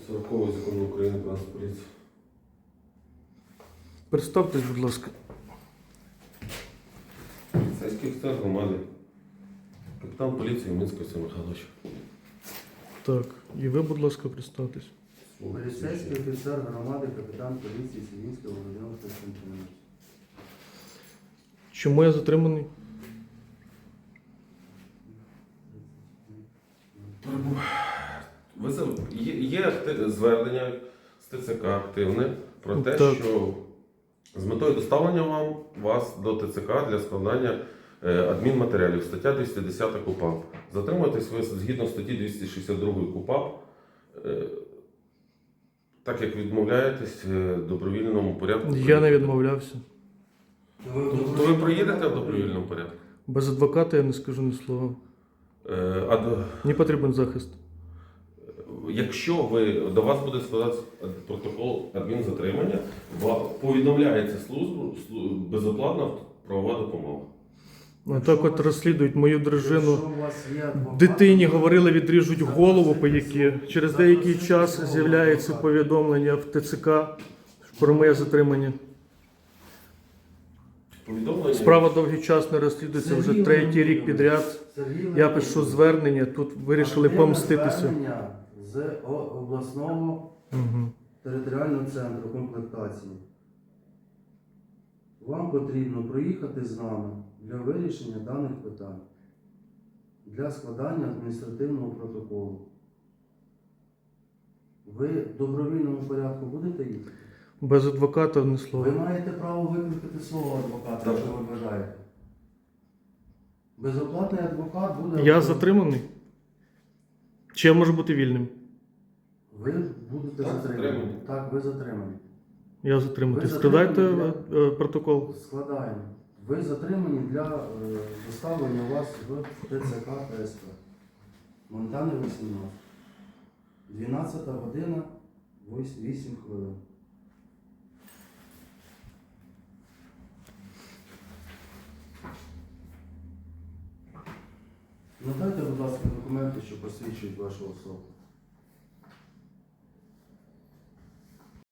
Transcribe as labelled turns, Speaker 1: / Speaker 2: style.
Speaker 1: 40 закону України про нас поліцію.
Speaker 2: Представтесь, будь ласка.
Speaker 1: Поліцейський офіцер громади. Капітан поліції Мінський Василь Михайлович.
Speaker 2: Так, і ви, будь ласка, представтесь.
Speaker 3: Поліцейський офіцер громади, капітан поліції Сінінський Володимир Костянтинович.
Speaker 2: Чому я затриманий?
Speaker 1: Є звернення з ТЦК активне про те,
Speaker 2: Так.
Speaker 1: що з метою доставлення вас до ТЦК для складання адмінматеріалів, стаття 210 КУпАП. Затримуєтесь ви згідно статті 262 КУпАП, так як відмовляєтесь в добровільному порядку.
Speaker 2: Я не відмовлявся.
Speaker 1: То ви проїдете в добровільному порядку?
Speaker 2: Без адвоката я не скажу ні слова. Мені потрібен захист.
Speaker 1: Якщо до вас буде складатися протокол адмінзатримання, повідомляється службу безоплатна правова допомога.
Speaker 2: Так от розслідують мою дружину.
Speaker 3: Якщо у вас є адвокат,
Speaker 2: Дитині говорили, відріжуть голову по які. Через деякий час з'являється повідомлення в ТЦК про моє затримання.
Speaker 1: Повідомлення.
Speaker 2: Справа довгий час не розслідується, вже третій рік підряд.
Speaker 3: Сергій
Speaker 2: Я пишу звернення, тут вирішили
Speaker 3: активне
Speaker 2: помститися.
Speaker 3: звернення з обласного
Speaker 2: Угу.
Speaker 3: територіального центру комплектації. Вам потрібно проїхати з нами для вирішення даних питань, для складання адміністративного протоколу. Ви в добровільному порядку будете їхати?
Speaker 2: Без адвоката ні
Speaker 3: Ви
Speaker 2: слова.
Speaker 3: маєте право викликати свого адвоката, якщо ви бажаєте. Безоплатний адвокат буде...
Speaker 2: Я затриманий? Чи я можу бути вільним?
Speaker 3: Ви будете
Speaker 1: Так,
Speaker 3: затримані.
Speaker 1: затримані.
Speaker 3: Так, ви затримані.
Speaker 2: Я затриманий.
Speaker 3: Ви
Speaker 2: Складайте
Speaker 3: затримані
Speaker 2: протокол.
Speaker 3: Складаємо. Ви затримані для доставлення вас в ТЦК та СП. Монтани 18. 12 година, 8 хвилин. Надайте, будь ласка, документи, що посвідчують вашу особу.